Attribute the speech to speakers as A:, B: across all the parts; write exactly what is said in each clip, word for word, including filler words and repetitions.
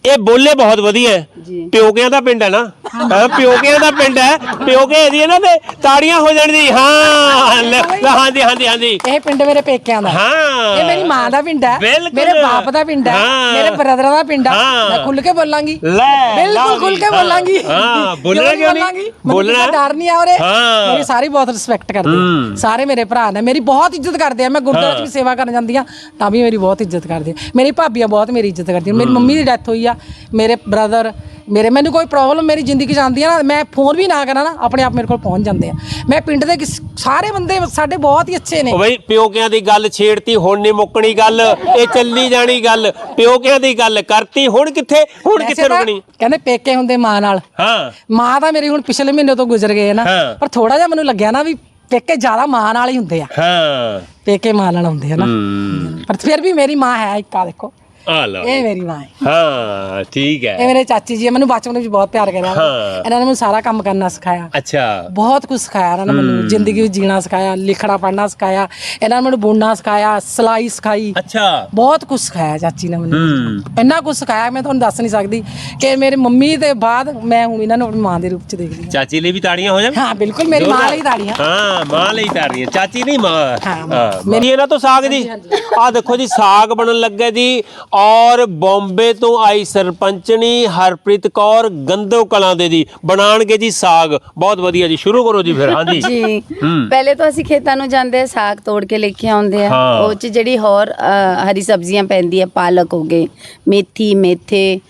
A: ਇਹ ਬੋਲੇ ਬਹੁਤ ਵਧੀਆ ਹੈ। ਪਿਓਕਿਆਂ ਦਾ ਪਿੰਡ ਹੈ ਨਾ, ਪਿਓਕਿਆਂ ਦਾ ਪਿੰਡ ਹੈ, ਪਿਓਕੇ ਇਹਦੀ ਨਾ ਤੇ ਤਾੜੀਆਂ ਹੋ ਜਾਣ ਦੀ। ਹਾਂ ਹਾਂਜੀ ਹਾਂਜੀ ਹਾਂਜੀ,
B: ਇਹ ਪਿੰਡ ਮੇਰੇ ਪੇਕਿਆਂ ਦਾ।
A: ਹਾਂ
B: ਇਹ ਮੇਰੀ ਮਾਂ ਦਾ ਪਿੰਡ ਹੈ, ਮੇਰੇ ਬਾਪ ਦਾ ਪਿੰਡ ਹੈ, ਮੇਰੇ ਬ੍ਰਦਰਾਂ ਦਾ ਪਿੰਡ ਹੈ। ਮੈਂ ਖੁੱਲ ਕੇ ਬੋਲਾਂਗੀ, ਬਿਲਕੁਲ ਖੁੱਲ ਕੇ ਬੋਲਾਂਗੀ।
A: ਹਾਂ ਬੋਲਣਾ ਕਿਉਂ ਨਹੀਂ,
B: ਬੋਲਣਾ ਡਰ ਨਹੀਂ ਆ ਉਰੇ। ਮੇਰੀ ਸਾਰੀ ਬਹੁਤ ਰਿਸਪੈਕਟ ਕਰਦੇ ਆ, ਸਾਰੇ ਮੇਰੇ ਭਰਾ ਨੇ ਮੇਰੀ ਬਹੁਤ ਇੱਜ਼ਤ ਕਰਦੇ ਆ। ਮੈਂ ਗੁਰਦੁਆਰੇ 'ਚ ਵੀ ਸੇਵਾ ਕਰਨ ਜਾਂਦੀ ਆ ਤਾਂ ਵੀ ਮੇਰੀ ਬਹੁਤ ਇੱਜ਼ਤ ਕਰਦੇ ਆ। ਮੇਰੀ ਭਾਬੀਆਂ ਬਹੁਤ ਮੇਰੀ ਇੱਜ਼ਤ ਕਰਦੀਆਂ। ਮੇਰੀ ਮੰਮੀ ਦੀ ਡੈਥ ਹੋਈ ਆ, ਮੇਰੇ ਬ੍ਰਦਰ ਮੇਰੇ, ਮੈਨੂੰ ਕੋਈ ਪ੍ਰੋਬਲਮ ਮੇਰੀ ਜ਼ਿੰਦਗੀ 'ਚ ਆਉਂਦੀ ਆ ਨਾ, ਮੈਂ ਫੋਨ ਵੀ ਨਾ ਕਰਾਂ ਨਾ, ਆਪਣੇ ਆਪ ਮੇਰੇ ਕੋਲ ਪਹੁੰਚ ਜਾਂਦੇ ਆ। ਮੈਂ ਪਿੰਡ ਦੇ ਸਾਰੇ ਬੰਦੇ ਸਾਡੇ ਬਹੁਤ ਹੀ ਅੱਛੇ ਨੇ।
A: ਬਈ ਪਿਓਕਿਆਂ ਦੀ ਗੱਲ ਛੇੜਤੀ, ਹੁਣ ਨਹੀਂ ਮੁੱਕਣੀ ਗੱਲ, ਇਹ ਚੱਲੀ ਜਾਣੀ ਗੱਲ। ਪਿਓਕਿਆਂ ਦੀ ਗੱਲ ਕਰਤੀ, ਹੁਣ ਕਿੱਥੇ ਹੁਣ ਕਿੱਥੇ ਰੁਕਣੀ।
B: ਕਹਿੰਦੇ ਪੇਕੇ ਹੁੰਦੇ ਮਾਂ ਨਾਲ।
A: ਹਾਂ
B: ਮਾਂ ਤਾਂ ਮੇਰੀ ਹੁਣ ਪਿਛਲੇ ਮਹੀਨੇ ਤੋਂ ਗੁਜ਼ਰ ਗਏ ਨਾ, ਪਰ ਥੋੜਾ ਜਿਹਾ ਮੈਨੂੰ ਲੱਗਿਆ ਨਾ ਵੀ ਪੇਕੇ ਜ਼ਿਆਦਾ ਮਾਂ ਨਾਲ ਹੀ ਹੁੰਦੇ ਆ।
A: ਹਾਂ
B: ਪੇਕੇ ਮਾਂ ਨਾਲ ਹੁੰਦੇ ਆ ਨਾ, ਪਰ ਫਿਰ ਵੀ ਮੇਰੀ ਮਾਂ ਹੈ ਇੱਕ। ਆ ਦੇਖੋ,
A: ਆ ਲਓ,
B: ਇਹ ਮੇਰੀ ਮਾਂ ਹੈ।
A: ਹਾਂ ਠੀਕ ਹੈ।
B: ਇਹ ਮੇਰੇ ਚਾਚੀ ਜੀ, ਮੈਨੂੰ ਬਚਪਨ ਵਿੱਚ ਬਹੁਤ ਪਿਆਰ ਕਰਿਆ। ਇਹਨਾਂ ਨੇ ਮੈਨੂੰ ਸਾਰਾ ਕੰਮ ਕਰਨਾ ਸਿਖਾਇਆ।
A: ਅੱਛਾ,
B: ਬਹੁਤ ਕੁਝ ਸਿਖਾਇਆ ਇਹਨਾਂ ਨੇ ਮੈਨੂੰ, ਜ਼ਿੰਦਗੀ ਵਿੱਚ ਜੀਣਾ ਸਿਖਾਇਆ, ਲਿਖਣਾ ਪੜ੍ਹਨਾ ਸਿਖਾਇਆ। ਇਹਨਾਂ ਨੇ ਮੈਨੂੰ ਬੁਣਨਾ ਸਿਖਾਇਆ, ਸਿਲਾਈ ਸਿਖਾਈ।
A: ਅੱਛਾ,
B: ਬਹੁਤ ਕੁਝ ਸਿਖਾਇਆ ਚਾਚੀ ਨੇ ਮੈਨੂੰ, ਇੰਨਾ ਕੁਝ ਸਿਖਾਇਆ ਮੈਂ ਤੁਹਾਨੂੰ ਦੱਸ ਨਹੀਂ ਸਕਦੀ। ਕਿ ਮੇਰੀ ਮੰਮੀ ਦੇ ਬਾਅਦ ਮੈਂ ਹੁਣ ਇਹਨਾਂ ਨੂੰ ਆਪਣੀ ਮਾਂ ਦੇ ਰੂਪ ਚ ਦੇਖਦੀ ਹਾਂ।
A: ਚਾਚੀ ਲਈ ਵੀ ਤਾੜੀਆਂ ਹੋ ਜਾਣ।
B: ਹਾਂ ਬਿਲਕੁਲ, ਮੇਰੀ ਮਾਂ ਲਈ ਤਾੜੀਆਂ।
A: ਹਾਂ ਮਾਂ ਲਈ ਤਾੜੀਆਂ, ਚਾਚੀ ਨਹੀਂ ਮਾਂ।
B: ਹਾਂ
A: ਮੇਰੀ ਇਹਨਾਂ ਤੋਂ ਸਾਗ ਦੀ, ਆਹ ਦੇਖੋ ਜੀ ਸਾਗ ਬਣਨ ਲੱਗਾ ਜੀ। ਔਰ ਬੰਬੇ ਤੋਂ ਆਈ ਸਰਪੰਚਣੀ ਹਰਪ੍ਰੀਤ ਕੌਰ ਗੰਦੋ ਕਲਾਂ ਦੇ ਜੀ ਬਣਾਣਗੇ ਜੀ ਸਾਗ। ਬਹੁਤ ਵਧੀਆ ਜੀ, ਸ਼ੁਰੂ ਕਰੋ ਜੀ ਫਿਰ। ਹਾਂਜੀ
C: ਜੀ, ਪਹਿਲੇ ਤਾਂ ਅਸੀਂ ਖੇਤਾਂ ਨੂੰ ਜਾਂਦੇ, ਸਾਗ ਤੋੜ ਕੇ ਲੈ ਕੇ ਆਉਂਦੇ ਆ। ਉਹ ਚ ਜਿਹੜੀ ਹੋਰ ਹਰੀ ਸਬਜ਼ੀਆਂ ਪੈਂਦੀ ਆ, ਪਾਲਕ ਹੋ ਗਏ, ਮੇਥੀ, ਮੇਥੇ,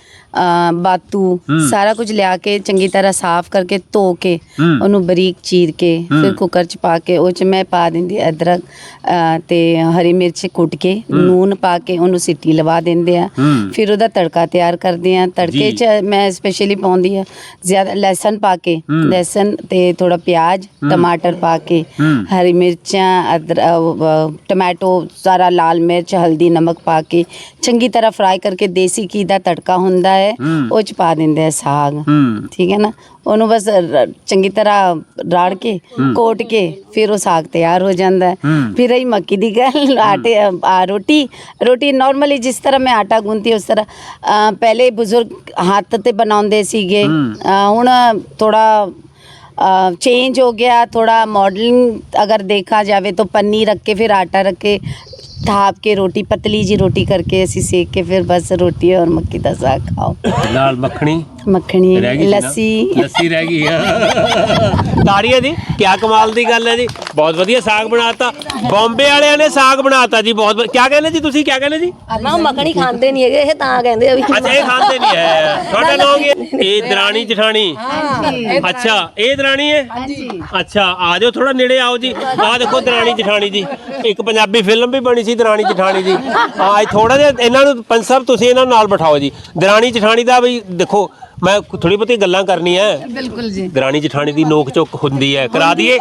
C: ਬਾਤੂ, ਸਾਰਾ ਕੁਝ ਲਿਆ ਕੇ ਚੰਗੀ ਤਰ੍ਹਾਂ ਸਾਫ਼ ਕਰਕੇ ਧੋ ਕੇ ਉਹਨੂੰ ਬਰੀਕ ਚੀਰ ਕੇ ਫਿਰ ਕੁੱਕਰ 'ਚ ਪਾ ਕੇ ਉਹ 'ਚ ਮੈਂ ਪਾ ਦਿੰਦੀ ਅਦਰਕ ਤੇ ਹਰੀ ਮਿਰਚ ਕੁੱਟ ਕੇ, ਨੂਨ ਪਾ ਕੇ ਉਹਨੂੰ ਸੀਟੀ ਲਵਾ ਦਿੰਦੇ ਆ। ਫਿਰ ਉਹਦਾ ਤੜਕਾ ਤਿਆਰ ਕਰਦੇ ਆ। ਤੜਕੇ 'ਚ ਮੈਂ ਸਪੈਸ਼ਲੀ ਪਾਉਂਦੀ ਆ ਜ਼ਿਆਦਾ ਲਸਣ ਪਾ ਕੇ, ਲਸਣ ਤੇ ਥੋੜਾ ਪਿਆਜ਼, ਟਮਾਟਰ ਪਾ ਕੇ, ਹਰੀ ਮਿਰਚਾਂ, ਅਦਰਕ, ਟਮਾਟੋ, ਸਾਰਾ ਲਾਲ ਮਿਰਚ, ਹਲਦੀ, ਨਮਕ ਪਾ ਕੇ ਚੰਗੀ ਤਰ੍ਹਾਂ ਫਰਾਈ ਕਰਕੇ ਦੇਸੀ ਘੀ ਦਾ ਤੜਕਾ ਹੁੰਦਾ ਉਹ ਚ ਪਾ ਦਿੰਦੇ ਆ ਸਾਗ। ਠੀਕ ਹੈ ਨਾ, ਉਹਨੂੰ ਬਸ ਚੰਗੀ ਤਰ੍ਹਾਂ ਰਾੜ ਕੇ ਕੋਟ ਕੇ ਫਿਰ ਉਹ ਸਾਗ ਤਿਆਰ ਹੋ ਜਾਂਦਾ। ਫਿਰ ਰਹੀ ਮੱਕੀ ਦੀ ਗੱਲ, ਆਟੇ ਰੋਟੀ ਰੋਟੀ ਨਾਰਮਲੀ ਜਿਸ ਤਰ੍ਹਾਂ ਮੈਂ ਆਟਾ ਗੁੰਨਤੀ ਉਸ ਤਰ੍ਹਾਂ ਪਹਿਲੇ ਬਜ਼ੁਰਗ ਹੱਥ ਤੇ ਬਣਾਉਂਦੇ ਸੀਗੇ। ਹੁਣ ਥੋੜਾ चेंज हो गया, थोड़ा मॉडलिंग अगर देखा जाए तो पन्नी रख के फिर आटा रख के थाप के रोटी पतली जी रोटी करके ऐसी सेक के फिर बस रोटी और मक्की का साग खाओ।
A: लाल मखनी
C: मखनी लस्सी
A: लस्सी रह गई। ਤਾੜੀਆਂ ਜੀ, ਕਿਆ ਕਮਾਲ ਦੀ ਗੱਲ ਹੈ ਜੀ। ਬਹੁਤ ਵਧੀਆ ਸਾਗ ਬਣਾਤਾ। ਬੰਬੇ ਵਾਲਿਆਂ ਨੇ ਸਾਗ ਬਣਾਤਾ ਜੀ। ਬਹੁਤ ਕਿਆ ਕਹਿੰਦੇ ਜੀ ਤੁਸੀਂ, ਕਿਆ ਕਹਿੰਦੇ ਜੀ?
D: ਨਾ ਮੱਖਣੀ ਖਾਂਦੇ ਨਹੀਂ ਹੈਗੇ ਇਹ, ਤਾਂ ਕਹਿੰਦੇ ਆ ਵੀ।
A: ਅੱਛਾ, ਇਹ ਖਾਂਦੇ ਨਹੀਂ ਹੈ। ਤੁਹਾਡਾ ਨਾਮ ਕੀ ਹੈ? ਇਹ ਦਰਾਣੀ ਜਠਾਣੀ। ਅੱਛਾ, ਇਹ ਦਰਾਣੀ ਹੈ। ਅੱਛਾ, ਆ ਜਾਓ ਥੋੜਾ ਨੇੜੇ ਆਓ ਜੀ। ਆਹ ਦੇਖੋ ਦਰਾਣੀ ਜਠਾਣੀ ਜੀ, ਇੱਕ ਪੰਜਾਬੀ ਫਿਲਮ ਵੀ ਬਣੀ ਸੀ ਦਰਾਣੀ ਜਠਾਣੀ ਜੀ। ਹਾਂ, ਥੋੜਾ ਜਿਹਾ ਇਹਨਾਂ ਨੂੰ ਪੰਜ ਸਾਹਿਬ ਤੁਸੀਂ ਇਹਨਾਂ ਨਾਲ ਬਿਠਾਓ ਜੀ। ਦਰਾਣੀ ਜਠਾਣੀ ਦਾ ਵੀ ਦੇਖੋ, ਮੈਂ ਥੋੜੀ ਬਹੁਤੀ ਗੱਲਾਂ ਕਰਨੀ ਹੈ।
C: ਬਿਲਕੁਲ ਜੀ।
A: ਦਰਾਣੀ ਜਠਾਣੀ ਦੀ ਨੋਕ ਚੁੱਕ ਹੁੰਦੀ ਹੈ, ਕਰਾ ਦਈਏ?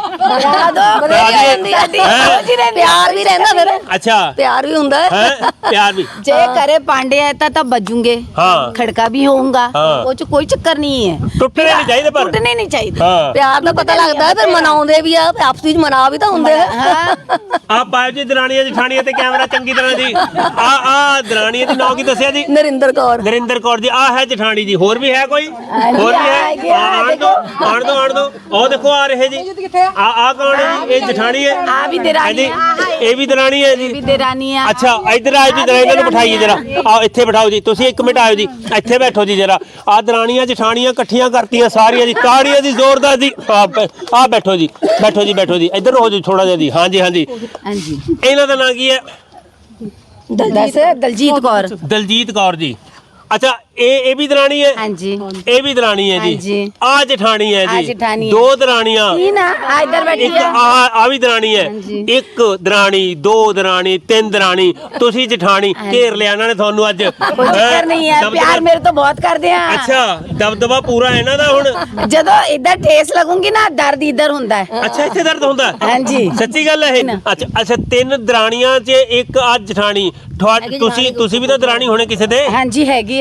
D: ਪਿਆਰ ਵੀ ਰਹਿੰਦਾ ਫਿਰ।
A: ਅੱਛਾ,
D: ਪਿਆਰ ਵੀ ਹੁੰਦਾ
A: ਹੈ, ਪਿਆਰ ਵੀ।
C: ਜੇ करे पांडे है ता तब बजूंगे,
A: हाँ।
C: खड़का भी होऊंगा,
A: हाँ।
C: वो च कोई चक्कर नहीं है।
A: ਟੁੱਟਣੇ ਨਹੀਂ ਚਾਹੀਦੇ ਪਰ
C: टूटने नहीं चाहिए।
A: ਹਾਂ।
D: ਪਿਆਰ ਦਾ ਪਤਾ ਲੱਗਦਾ ਫਿਰ ਮਨਾਉਂਦੇ ਵੀ ਆ, ਆਪਸ ਵਿੱਚ ਮਨਾ ਵੀ ਤਾਂ ਹੁੰਦੇ ਆ।
A: ਆ ਪਾਇਓ ਜੀ ਦਰਾਣੀਆਂ ਜਠਾਣੀਆਂ ਤੇ ਕੈਮਰਾ ਚੰਗੀ ਤਰ੍ਹਾਂ ਜੀ। ਆ ਆ ਦਰਾਣੀਆਂ ਦੀ ਨਾਂ ਕੀ ਦੱਸਿਆ ਜੀ?
D: ਨਰਿੰਦਰ ਕੌਰ।
A: ਨਰਿੰਦਰ ਕੌਰ ਜੀ। ਆ ਹੈ ਜਠਾਣੀ ਜੀ। ਹੋਰ ਵੀ ਹੈ ਕੋਈ? ਹੋਰ ਵੀ ਹੈ? ਆਣ ਦੋ ਆਣ ਦੋ ਆਣ ਦੋ। ਉਹ ਦੇਖੋ ਆ ਰਹੇ ਜੀ। ਆ ਆ ਕੌਣ ਹੈ ਜੀ? ਇਹ ਜਠਾਣੀ ਹੈ।
C: आ भी देरानी है,
A: ਇਹ ਵੀ ਦਰਾਣੀ ਹੈ ਜੀ।
C: भी देरानी है।
A: ਅੱਛਾ, ਇੱਧਰ ਆਓ ਜੀ, ਦਰਾਣੀ ਨੂੰ ਬਿਠਾਈਏ ਜਰਾ। ਆਓ ਇੱਥੇ ਬਿਠਾਓ ਜੀ, ਤੁਸੀਂ ਇੱਕ ਮਿੰਟ ਆਇਓ ਜੀ, ਇੱਥੇ ਬੈਠੋ ਜੀ ਜਰਾ। ਆ ਦਰਾਣੀਆਂ ਜਠਾਣੀਆਂ ਇਕੱਠੀਆਂ ਕਰਤੀਆਂ ਸਾਰੀਆਂ ਜੀ, ਤਾੜੀਆਂ ਦੀ ਜ਼ੋਰਦਾਰ ਜੀ। ਆ ਬੈਠੋ ਜੀ, ਬੈਠੋ ਜੀ, ਬੈਠੋ ਜੀ, ਇੱਧਰ ਹੋ ਜੀ ਥੋੜਾ ਜਿਹਾ ਜੀ। ਹਾਂਜੀ ਹਾਂਜੀ,
C: ਹਾਂਜੀ।
A: ਇਹਨਾਂ ਦਾ ਨਾਂ ਕੀ ਹੈ?
C: दस दलजीत कौर।
A: ਦਲਜੀਤ ਕੌਰ ਜੀ। ਅੱਛਾ, ਇਹ ਇਹ ਵੀ ਦਰਾਣੀ ਹੈ।
C: ਹਾਂਜੀ,
A: ਇਹ ਵੀ ਦਰਾਣੀ ਹੈ ਜੀ।
C: ਹਾਂਜੀ।
A: ਆ ਜਠਾਣੀ ਹੈ
C: ਆ
A: ਜੀ।
C: ਜਠਾਣੀ ਹੈ।
A: ਦੋ ਦਰਾਣੀਆਂ।
C: तीन आ इधर बैठी
A: ਇੱਕ
C: है।
A: ਆ ਆ ਵੀ ਦਰਾਣੀ ਹੈ।
C: ਹਾਂਜੀ।
A: ਇੱਕ ਦਰਾਣੀ, ਦੋ ਦਰਾਣੀ, ਤਿੰਨ ਦਰਾਣੀ, ਤੁਸੀਂ ਜਠਾਣੀ। ਘੇਰ ਲਿਆ ਇਹਨਾਂ ਨੇ ਤੁਹਾਨੂੰ ਅੱਜ।
C: कोई चक्कर नहीं है, प्यार मेरे तो बहुत करते हैं।
A: ਅੱਛਾ, ਦਬਦਬਾ ਪੂਰਾ ਇਹਨਾਂ ਦਾ ਹੁਣ।
C: ਜਦੋਂ इधर ठेस लगूंगी ना दर्द इधर ਹੁੰਦਾ है।
A: ਅੱਛਾ, ਇੱਥੇ ਦਰਦ ਹੁੰਦਾ?
C: ਹਾਂਜੀ।
A: ਸੱਚੀ ਗੱਲ ਹੈ ਇਹ? ਅੱਛਾ ਅੱਛਾ, ਤਿੰਨ ਦਰਾਣੀਆਂ 'ਚ ਇੱਕ ਆ ਜਠਾਣੀ। ਤੁਸੀਂ ਤੁਸੀਂ ਵੀ ਤਾਂ ਦਰਾਣੀ ਹੋਣੇ ਕਿਸੇ ਦੇ?
C: ਹਾਂਜੀ ਹੈਗੀ ਆ।
A: ਹੈਂ?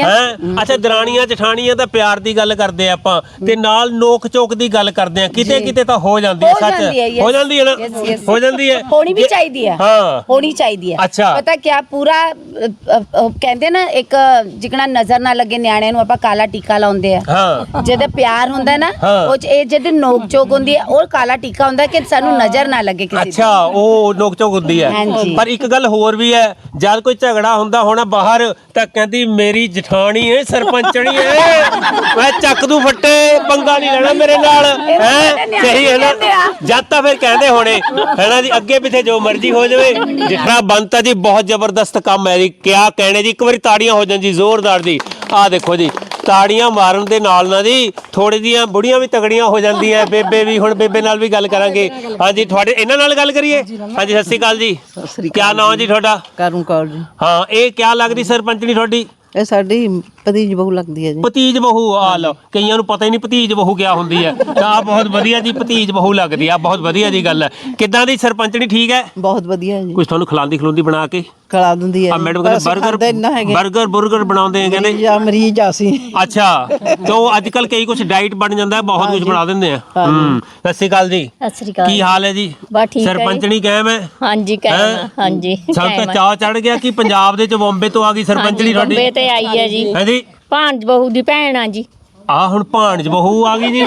A: ਅੱਛਾ ਦਰਾਣੀਆਂ ਜਠਾਣੀਆਂ ਤਾਂ ਪਿਆਰ ਦੀ ਗੱਲ ਕਰਦੇ ਆ ਆਪਾਂ ਤੇ ਨਾਲ ਨੋਕ ਝੋਕ ਦੀ ਗੱਲ ਕਰਦੇ ਆ ਕਿਤੇ ਕਿਤੇ ਤਾਂ ਹੋ ਜਾਂਦੀ ਹੈ
C: ਹੋ
A: ਸੱਚ
C: ਜਾਂਦੀ ਹੈ, yes,
A: ਹੋ ਜਾਂਦੀ ਹੈ ਨਾ
C: yes, yes.
A: ਹੋ ਜਾਂਦੀ ਹੈ
C: ਹੋਣੀ ਵੀ ਚਾਹੀਦੀ ਹੈ
A: ਹਾਂ
C: ਹੋਣੀ ਚਾਹੀਦੀ ਹੈ
A: ਅੱਛਾ।
C: ਪਤਾ ਕਿਆ ਪੂਰਾ ਅ, ਅ, ਅ, ਕਹਿੰਦੇ ਨਾ ਇੱਕ ਜਿਕਣਾ ਨਜ਼ਰ ਨਾ ਲੱਗੇ ਨਿਆਣਿਆਂ ਨੂੰ ਆਪਾਂ ਕਾਲਾ ਟੀਕਾ ਲਾਉਂਦੇ ਆ
A: ਹਾਂ
C: ਜਿਹਦਾ ਪਿਆਰ ਹੁੰਦਾ ਨਾ
A: ਹਾਂ।
C: ਉਹ 'ਚ ਇਹ ਜਿਹਦੇ ਨੋਕ ਝੋਕ ਹੁੰਦੀ ਹੈ ਉਹ ਕਾਲਾ ਟੀਕਾ ਹੁੰਦਾ ਕਿ ਸਾਨੂੰ ਨਜ਼ਰ ਨਾ ਲੱਗੇ ਕਿਸੇ ਦੀ।
A: ਅੱਛਾ ਉਹ ਨੋਕ ਝੋਕ ਹੁੰਦੀ ਹੈ
C: ਹਾਂਜੀ।
A: ਪਰ ਇੱਕ ਗੱਲ ਹੋਰ ਵੀ ਹੈ ਜਦ ਕੋਈ ਝਗੜਾ ਹੁੰਦਾ ਹੋਣਾ ਬਾਹਰ ਤਾਂ ਕਹਿੰਦੀ ਮੇਰੀ ਜਠਾਣੀ ਹੈ ਸਰਪੰਚਣੀ ਹੈ ਮੈਂ ਚੱਕ ਦੂ ਫੱਟੇ ਪੰਗਾ ਨਹੀਂ ਲੈਣਾ ਮੇਰੇ ਨਾਲ ਹੈ ਸਹੀ ਹੈ ਨਾ ਜਦ ਤਾਂ ਫਿਰ ਕਹਿੰਦੇ ਹੋਣੇ ਹੈ ਨਾ ਜੀ ਅੱਗੇ ਪਿੱਛੇ ਜੋ ਮਰਜ਼ੀ ਹੋ ਜਾਵੇ ਜਿਠਾ ਬੰਤਾ ਜੀ ਬਹੁਤ ਜ਼ਬਰਦਸਤ ਕੰਮ ਹੈ ਜੀ ਕਿਆ ਕਹਿਣੇ ਜੀ ਇੱਕ ਵਾਰੀ ਤਾੜੀਆਂ ਹੋ ਜਾਣ ਜੀ ਜ਼ੋਰਦਾਰ ਜੀ ਆਹ ਦੇਖੋ ਜੀ ਤਾੜੀਆਂ ਮਾਰਨ ਦੇ ਨਾਲ ਨਾ ਜੀ ਥੋੜੀ ਜੀਆਂ ਬੁੜੀਆਂ ਵੀ ਤਗੜੀਆਂ ਹੋ ਜਾਂਦੀਆਂ ਬੇਬੇ ਵੀ ਹੁਣ ਬੇਬੇ ਨਾਲ ਵੀ ਗੱਲ ਕਰਾਂਗੇ ਹਾਂਜੀ ਤੁਹਾਡੇ ਇਹਨਾਂ ਨਾਲ ਗੱਲ ਕਰੀਏ ਹਾਂਜੀ ਸਤਿ ਸ਼੍ਰੀ ਅਕਾਲ ਜੀ ਕਿਆ ਨਾਮ ਜੀ ਤੁਹਾਡਾ
E: ਕਰਮ ਕੌਰ ਜੀ
A: ਹਾਂ ਇਹ ਕਿਆ ਲੱਗਦੀ ਸਰਪੰਚਣੀ ਤੁਹਾਡੀ
E: ਇਹ ਸਾਡੀ ਭਤੀਜ ਬਹੂ ਲੱਗਦੀ ਹੈ ਜੀ
A: ਭਤੀਜ ਬਹੂ ਆ ਲਓ ਕਈਆਂ ਨੂੰ ਪਤਾ ਹੀ ਨਹੀਂ ਭਤੀਜ ਬਹੂ ਕਿਆ ਹੁੰਦੀ ਹੈ ਤਾਂ ਆਹ ਬਹੁਤ ਵਧੀਆ ਜੀ ਭਤੀਜ ਬਹੂ ਲੱਗਦੀ ਆ ਬਹੁਤ ਵਧੀਆ ਜੀ ਗੱਲ ਹੈ ਕਿੱਦਾਂ ਦੀ ਸਰਪੰਚਣੀ ਠੀਕ ਹੈ
E: ਬਹੁਤ ਵਧੀਆ ਜੀ
A: ਕੁਝ ਤੁਹਾਨੂੰ ਖਿਲਾਉਂਦੀ ਖਿਲਾਉਂਦੀ ਬਣਾ ਕੇ
E: ਖਿਲਾ ਦਿੰਦੀ ਹੈ
A: ਆ ਮੈਡਮ ਕਹਿੰਦੇ 버ਗਰ 버ਗਰ 버ਗਰ ਬਣਾਉਂਦੇ ਆ ਕਹਿੰਦੇ
E: ਜਾਂ ਮਰੀਜ਼ ਆ ਅਸੀਂ
A: ਅੱਛਾ ਤੋਂ ਅੱਜ ਕੱਲ ਕਈ ਕੁਝ ਡਾਈਟ ਬਣ ਜਾਂਦਾ ਬਹੁਤ ਕੁਝ ਬਣਾ ਦਿੰਦੇ ਆ ਹੂੰ ਸਤਿ ਸ਼੍ਰੀ ਅਕਾਲ ਜੀ
F: ਸਤਿ ਸ੍ਰੀ ਅਕਾਲ
A: ਕੀ ਹਾਲ ਹੈ ਜੀ
F: ਬਸ ਠੀਕ ਹੈ ਜੀ।
A: ਸਰਪੰਚਣੀ ਕਾਇਮ ਹੈ
F: ਹਾਂਜੀ
A: ਹੈਂ?
F: ਕਾਇਮ ਆ, ਹਾਂਜੀ
A: ਸਾਨੂੰ ਤਾਂ
F: ਕਾਇਮ ਆ।
A: ਚਾਅ ਚੜ ਗਿਆ ਕਿ ਪੰਜਾਬ ਦੇ ਚ ਬੰਬੇ ਤੋਂ ਆ ਗਈ ਸਰਪੰਚਣੀ
F: ਹਾਂਜੀ, ਬੰਬੇ
A: ਤੁਹਾਡੀ
F: ਤੇ ਆਈ ਹੈ ਜੀ
A: ਹਾਂਜੀ
F: ਭਾਂਜ ਬਹੂ ਦੀ ਭੈਣ ਆ ਜੀ
A: ਆ ਹੁਣ ਭਾਣਜ ਬਹੂ ਆ ਗਈ ਜੀ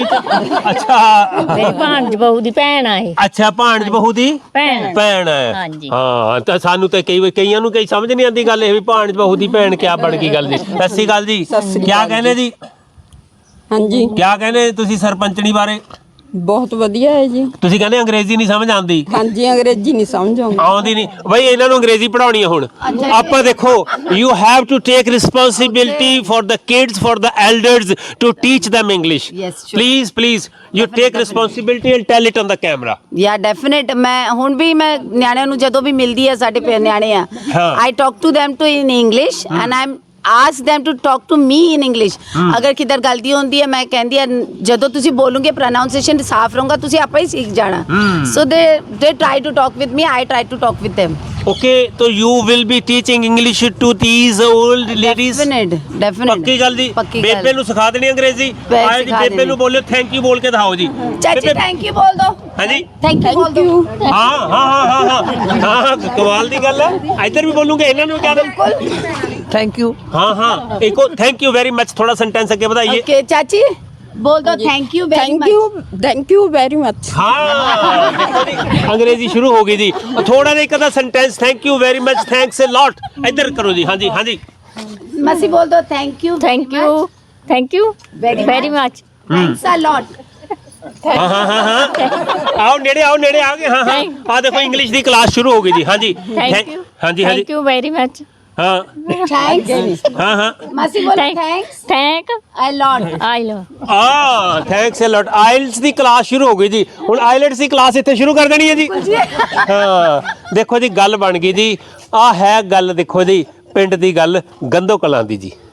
A: ਅੱਛਾ
F: ਮੇਰੀ ਭਾਂਜ ਬਹੂ ਦੀ ਭੈਣ ਆ ਇਹ
A: ਅੱਛਾ ਭਾਣਜ ਬਹੂ ਦੀ
F: ਭੈਣ
A: ਭੈਣ ਹੈ
F: ਹਾਂਜੀ।
A: ਹਾਂ ਤਾਂ ਸਾਨੂੰ ਤਾਂ ਕਈ ਕਈਆਂ ਨੂੰ ਕਈ ਸਮਝ ਨਹੀਂ ਆਉਂਦੀ ਗੱਲ ਇਹ ਵੀ ਭਾਣਜ ਬਹੂ ਦੀ ਭੈਣ ਕਿਆ ਬਣ ਗਈ ਗੱਲ ਜੀ ਸਤਿ ਸ਼੍ਰੀ ਅਕਾਲ ਜੀ ਕਿਆ ਕਹਿੰਦੇ ਜੀ
G: ਹਾਂਜੀ
A: ਕਿਆ ਕਹਿੰਦੇ ਤੁਸੀਂ ਸਰਪੰਚਣੀ ਬਾਰੇ
G: ਬਹੁਤ ਵਧੀਆ ਹੈ ਜੀ
A: ਤੁਸੀਂ ਕਹਿੰਦੇ ਅੰਗਰੇਜ਼ੀ ਨਹੀਂ ਸਮਝ ਆਉਂਦੀ
G: ਹਾਂਜੀ ਅੰਗਰੇਜ਼ੀ ਨਹੀਂ ਸਮਝ ਆਉਂਦੀ
A: ਆਉਂਦੀ ਨਹੀਂ ਬਈ ਇਹਨਾਂ ਨੂੰ ਅੰਗਰੇਜ਼ੀ ਪੜਾਉਣੀ ਹੈ ਹੁਣ ਆਪਾਂ ਦੇਖੋ you have to take responsibility for the kids for the elders to teach them English
C: Yes, sure.
A: Please please you take responsibility and tell it on the camera
C: yeah definite ਮੈਂ ਹੁਣ ਵੀ ਮੈਂ ਨਿਆਣਿਆਂ ਨੂੰ ਜਦੋਂ ਵੀ ਮਿਲਦੀ ਹੈ ਸਾਡੇ ਪੇ ਨਿਆਣੇ ਆ
A: ਹਾਂ।
C: I talk to them to in English and I am ask them to talk to me in English ਅਗਰ ਕਿਧਰ ਗਲਤੀ ਹੁੰਦੀ ਹੈ ਮੈਂ ਕਹਿੰਦੀ ਆ ਜਦੋਂ ਤੁਸੀਂ ਬੋਲੋਗੇ ਪ੍ਰੋਨਾਂਸੀਏਸ਼ਨ ਸਾਫ਼ ਰਹੂਗਾ ਤੁਸੀਂ ਆਪੇ ਹੀ ਸਿੱਖ ਜਾਣਾ ਸੋ ਦੇ ਦੇ try to talk with me I try to talk with them
A: Okay, so you will be teaching English to these old ladies?
C: Definite definite
A: ਪੱਕੀ ਗੱਲ ਜੀ
C: ਪੱਕੀ ਗੱਲ।
A: ਬੇਬੇ ਨੂੰ ਸਿਖਾ ਦੇਣੀ ਅੰਗਰੇਜ਼ੀ
C: ਬੇ-
A: ਆਏ ਜੀ
C: ਸਿਖਾ
A: ਬੇਬੇ
C: ਦੇਣੀ।
A: ਨੂੰ ਬੋਲਿਓ ਥੈਂਕ ਯੂ ਬੋਲ ਕੇ ਦਿਖਾਓ ਜੀ
C: ਚਾਚੀ
A: ਬੇਬੇ-
C: ਥੈਂਕ ਯੂ ਬੋਲ ਦੋ
A: ਹਾਂਜੀ
C: ਥੈਂਕ ਯੂ ਬੋਲ ਦੋ
A: ਹਾਂ ਹਾਂ ਹਾਂ ਹਾਂ ਹਾਂ ਹਾਂ ਹਾਂ ਕਮਾਲ ਦੀ ਗੱਲ ਹੈ ਇੱਧਰ ਵੀ ਬੋਲੂਗੇ ਇਹਨਾਂ ਨੂੰ ਕਿਆ ਦੇ
E: ਥੈਂਕ ਯੂ
A: ਹਾਂ ਹਾਂ ਇੱਕ ਉਹ ਥੈਂਕ ਯੂ ਵੈਰੀ ਮੱਚ ਥੋੜਾ ਸੈਂਟੈਂਸ ਅੱਗੇ ਵਧਾਈਏ
C: ਓਕੇ ਚਾਚੀ ਬੋਲ ਦੋ thank you very
G: thank
C: much
G: you thank you very much
A: ਹਾਂ ਦੇਖੋ ਜੀ ਅੰਗਰੇਜ਼ੀ ਸ਼ੁਰੂ ਹੋ ਗਈ ਜੀ ਥੋੜਾ ਜਿਹਾ ਇੱਕ ਅੱਧਾ sentence thank you very much thanks a lot ਇੱਧਰ ਕਰੋ ਜੀ ਹਾਂਜੀ ਹਾਂਜੀ
C: ਮਸੀ ਬੋਲ ਦੋ thank you
F: thank you thank you
C: Very
F: very much
C: thanks a lot
A: ਹਾਂ ਹਾਂ ਹਾਂ ਹਾਂ ਆਓ ਨੇੜੇ ਆਓ ਨੇੜੇ ਆਓਗੇ ਹਾਂ ਹਾਂ ਆ ਦੇਖੋ ਇੰਗਲਿਸ਼ ਦੀ ਕਲਾਸ ਸ਼ੁਰੂ ਹੋ ਗਈ ਜੀ ਹਾਂਜੀ
F: ਥੈਂਕ ਯੂ
A: ਹਾਂਜੀ ਹਾਂਜੀ
F: ਥੈਂਕ ਯੂ ਵੈਰੀ ਮਚ
A: ਹਾਂ
C: ਥੈਂਕਸ
A: ਹਾਂ ਹਾਂ
C: ਮਸੀ ਬੋਲ ਥੈਂਕਸ
F: ਥੈਂਕ
C: ਅ ਲੋਟ
F: ਆਈ ਲੋ
A: ਆ ਥੈਂਕਸ ਅ ਲੋਟ ਆਇਲਟਸ ਦੀ ਕਲਾਸ ਸ਼ੁਰੂ ਹੋ ਗਈ ਜੀ ਹੁਣ ਆਇਲਟਸ ਦੀ ਕਲਾਸ ਇੱਥੇ ਸ਼ੁਰੂ ਕਰ ਦੇਣੀ ਹੈ ਜੀ ਹਾਂ ਦੇਖੋ ਜੀ ਗੱਲ ਬਣ ਗਈ ਜੀ ਆ ਹੈ ਗੱਲ ਦੇਖੋ ਜੀ ਪਿੰਡ ਦੀ ਗੱਲ ਗੰਦੋ ਕਲਾਂ ਦੀ ਜੀ